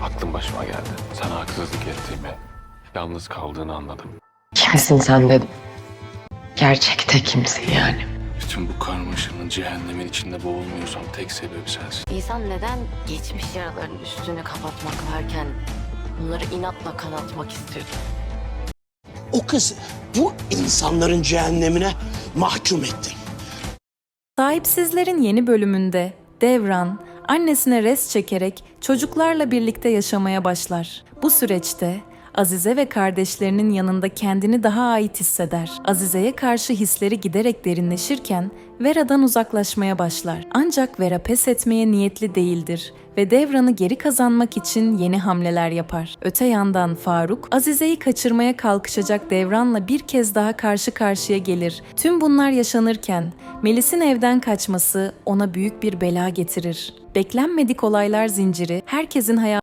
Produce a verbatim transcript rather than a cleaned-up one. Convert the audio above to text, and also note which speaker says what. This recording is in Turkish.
Speaker 1: Aklım başıma geldi. Sana haksızlık ettiğimi, yalnız kaldığını anladım.
Speaker 2: Kimsin sen dedim. Gerçekte kimsin yani?
Speaker 1: Bütün bu karmaşanın, cehennemin içinde boğulmuyorsam tek sebebi sensin.
Speaker 3: İnsan neden geçmiş yaraların üstünü kapatmak varken bunları inatla kanatmak istiyor?
Speaker 4: O kızı bu insanların cehennemine mahkum ettin.
Speaker 5: Sahipsizlerin yeni bölümünde Devran, annesine res çekerek çocuklarla birlikte yaşamaya başlar. Bu süreçte Azize ve kardeşlerinin yanında kendini daha ait hisseder. Azize'ye karşı hisleri giderek derinleşirken Vera'dan uzaklaşmaya başlar. Ancak Vera pes etmeye niyetli değildir ve Devran'ı geri kazanmak için yeni hamleler yapar. Öte yandan Faruk, Azize'yi kaçırmaya kalkışacak Devran'la bir kez daha karşı karşıya gelir. Tüm bunlar yaşanırken Melis'in evden kaçması ona büyük bir bela getirir. Beklenmedik olaylar zinciri herkesin hayatında